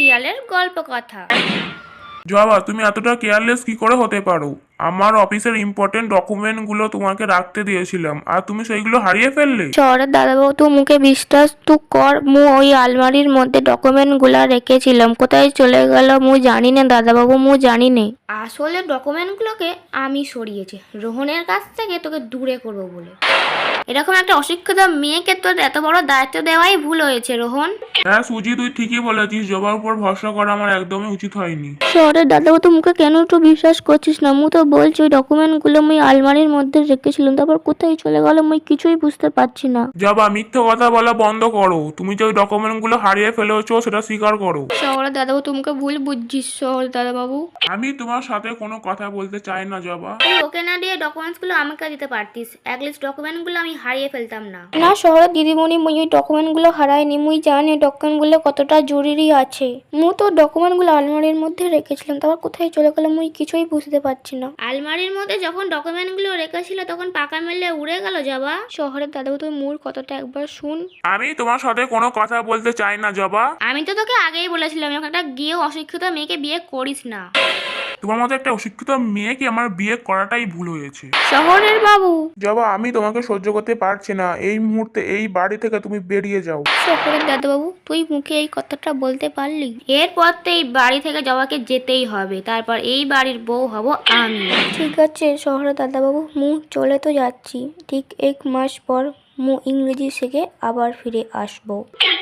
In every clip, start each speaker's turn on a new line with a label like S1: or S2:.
S1: শিয়ালের গল্প কথা।
S2: জবা, তুমি এতটা কেয়ারলেস কি করে হতে পারো? আমার অফিসের ইম্পর্টেন্ট ডকুমেন্টগুলো তোমাকে রাখতে দিয়েছিলাম আর তুমি সেইগুলো হারিয়ে ফেললে।
S1: শহরের দাদাবাবু তো মুখে বিশ্বাস তো কর, মু ওই আলমারির মধ্যে ডকুমেন্ট গুলা রেখেছিলাম, কোথায় চলে গেল মু জানি না দাদাবাবু, মু জানি না। আসলে ডকুমেন্ট গুলোকে আমি সরিয়েছি রোহনের কাছ থেকে তোকে দূরে করবো বলে। এরকম একটা অশিক্ষিত মেয়েকে তোর এত বড় দায়িত্ব দেওয়াই ভুল হয়েছে রোহন।
S2: হ্যাঁ সুজি, তুই ঠিকই বলেছিস, জবার উপর ভরসা করা আমার একদমই উচিত হয়নি।
S1: শহরের দাদাবাবু তো মুখে কেন একটু বিশ্বাস করছিস না? মু তো বলছি ওই ডকুমেন্ট গুলো মুই আলমারির মধ্যে রেখেছিলাম, তারপর কোথায় চলে গেল মুই কিছুই বুঝতে পারছি না।
S2: জবা, মিথ্যে কথা বলা বন্ধ করো। তুমি যে ওই ডকুমেন্টগুলো হারিয়ে ফেলেছো সেটা স্বীকার করো।
S1: শহরের দাদাবাবু তোমাকে ভুল বুঝছিস শহরের দাদাবাবু।
S2: আমি তোমার সাথে কোনো কথা বলতে চাই না জবা।
S1: তুই ওকে না দিয়ে ডকুমেন্টস গুলো আমাকে দিতে পারতিস, অ্যাটলিস্ট ডকুমেন্ট গুলো আমি হারিয়ে ফেলতাম না। না শহরের দিদিমণি, মুই ওই ডকুমেন্ট গুলো হারাইনি, মুই জানি ডকুমেন্ট গুলো কতটা জরুরি আছে। মু তো ডকুমেন্ট গুলো আলমারির মধ্যে রেখেছিলাম, তারপর কোথায় চলে গেল মুই কিছুই বুঝতে পারছি না। আলমারির মধ্যে যখন ডকুমেন্ট গুলো রেখেছিল তখন পাকা মেলে উড়ে গেল যাবা। শহরের দাদাবাবু তুই মোর কথাটা একবার শুন।
S2: আমি তোমার সাথে কোনো কথা বলতে চাই না জবা।
S1: আমি তো তোকে আগেই বলেছিলাম এরকম একটা গিয়ে অশিক্ষিত মেয়েকে বিয়ে করিস না।
S2: তোমার মতো একটা অশিক্ষিত মেয়েকে আমার বিয়ে করাটাই ভুল হয়েছে।
S1: শহরের বাবু।
S2: জবা, আমি তোমাকে সহ্য করতে পারছি না, এই মুহূর্তে এই বাড়ি থেকে তুমি বেরিয়ে যাও।
S1: শহরের দাদাবাবু, তুই মুখে এই কথাটা বলতে পারলি? এরপর তো এই বাড়ি থেকে জবাকে যেতেই হবে, তারপর এই বাড়ির বউ হব আমি। ঠিক আছে শহরের দাদাবাবু, মু চলে তো যাচ্ছি, ঠিক 1 মাস পর মু ইংরেজি শিখে আবার ফিরে আসবো।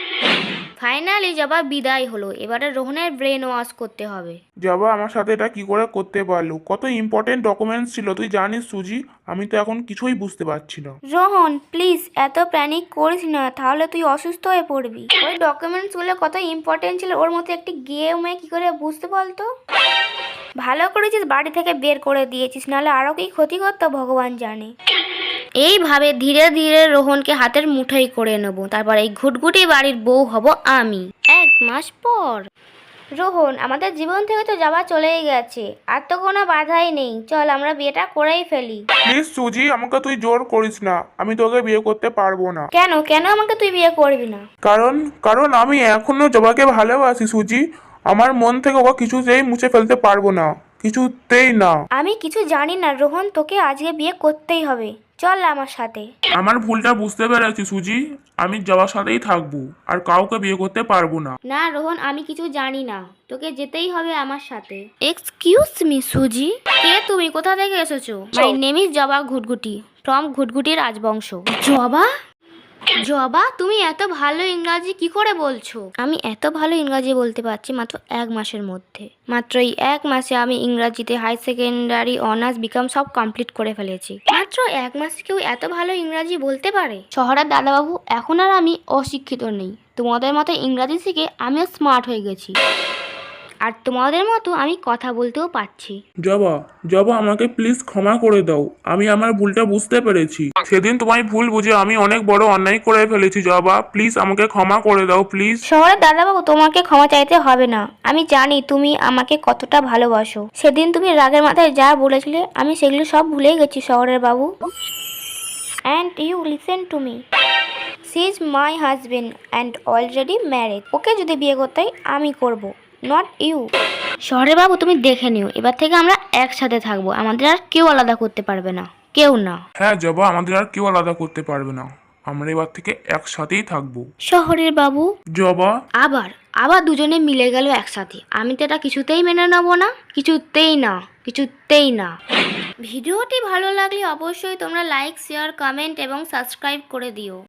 S1: ফাইনালি জবা বিদায় হলো, এবারে রোহনের ব্রেন ওয়াশ করতে হবে।
S2: জবা, আমার সাথে এটা কি করে করতে পারলো? কত ইম্পর্টেন্ট ডকুমেন্টস ছিল তুই জানিস সুজি? আমি তো এখন কিছুই বুঝতে পারছি না।
S1: রোহন প্লিজ এত প্যানিক করিস না, তাহলে তুই অসুস্থ হয়ে পড়বি। ওই ডকুমেন্টস গুলো কত ইম্পর্টেন্ট ছিল, ওর মধ্যে একটি গেমে কি করে বুঝতে বলতো? ভালো করেছিস বাড়ি থেকে বের করে দিয়েছিস, নাহলে আরো কি ক্ষতি করতো ভগবান জানে। এইভাবে ধীরে ধীরে রোহনকে হাতের মুঠোই করে নেব, তারপর এই ঘুটঘুটি বাড়ির বউ হব আমি 1 মাস পর। রোহন, আমাদের জীবন থেকে তো যাওয়া চলেই গেছে, আর তো কোনো বাধাই নেই, চল আমরা বিয়েটা করেই ফেলি।
S2: প্লিজ সুজি, আমাকে তুই জোর করিস না, আমি তোকে বিয়ে করতে পারবো না।
S1: কেন কেন আমাকে তুই বিয়ে করবি না?
S2: কারণ কারণ আমি এখনো জবাকে ভালোবাসি সুজি। আমার মন থেকে ওকে কিছুতেই মুছে ফেলতে পারবো না, কিছুতেই না।
S1: আমি কিছু জানি না রোহন, তোকে আজকে বিয়ে করতেই হবে, চল আমার সাথে।
S2: আমার ভুলটা বুঝতে পেরেছি সুজি, আমি জবার সাথেই থাকবো আর কাউকে বিয়ে করতে পারবো না।
S1: না রোহন, আমি কিছু জানি না, তোকে যেতেই হবে আমার সাথে। এক্সকিউজ মি সুজি, কে তুমি, কোথা থেকে এসেছো? মাই নেম ইজ জবা ঘুটঘুটি ফ্রম ঘুটঘুটি রাজবংশ। জবা? জবা, তুমি এত ভালো ইংরাজি কি করে বলছো? আমি এত ভালো ইংরাজি বলতে পারছি মাত্র 1 মাসের মধ্যে। মাত্র এই 1 মাসে আমি ইংরাজিতে হাই সেকেন্ডারি অনার্স বিকম সব কমপ্লিট করে ফেলেছি। মাত্র 1 মাসে কেউ এত ভালো ইংরাজি বলতে পারে? শহরের দাদাবাবু, এখন আর আমি অশিক্ষিত নেই, তোমাদের মতো ইংরাজি শিখে আমিও স্মার্ট হয়ে গেছি, আর তোমাদের মতো আমি কথা বলতেও পারছি।
S2: জবা, জবা আমাকে প্লিজ ক্ষমা করে দাও, আমি আমার ভুলটা বুঝতে পেরেছি। সেদিন তোমায় ভুল বুঝে আমি অনেক বড় অন্যায় করে ফেলেছি। জবা প্লিজ আমাকে ক্ষমা করে দাও প্লিজ।
S1: শহরের দাদাবাবু, তোমাকে ক্ষমা চাইতে হবে না, আমি জানি তুমি আমাকে কতটা ভালোবাসো। সেদিন তুমি রাগের মাথায় যা বলেছিলে আমি সেগুলো সব ভুলে গেছি শহরের বাবু। And you listen to me, she is my husband and already married. Okay যদি বিয়ে করতে হয় আমি করব, নট ইউ। শহরের বাবু তুমি দেখে নিও, এবার থেকে আমরা একসাথে থাকবো, আমাদের আর কেউ আলাদা করতে পারবে না, কেউ না।
S2: হ্যাঁ জবা, আমাদের আর কেউ আলাদা করতে পারবে না, আমরা এবার থেকে একসাথেই থাকবো।
S1: শহরের বাবু
S2: জবা,
S1: আবার আবার দুজনে মিলে গেল একসাথে, আমি তো এটা কিছুতেই মেনে নেবো না, কিছুতেই না, কিছুতেই না। ভিডিওটি ভালো লাগলে অবশ্যই তোমরা লাইক, শেয়ার, কমেন্ট এবং সাবস্ক্রাইব করে দিও।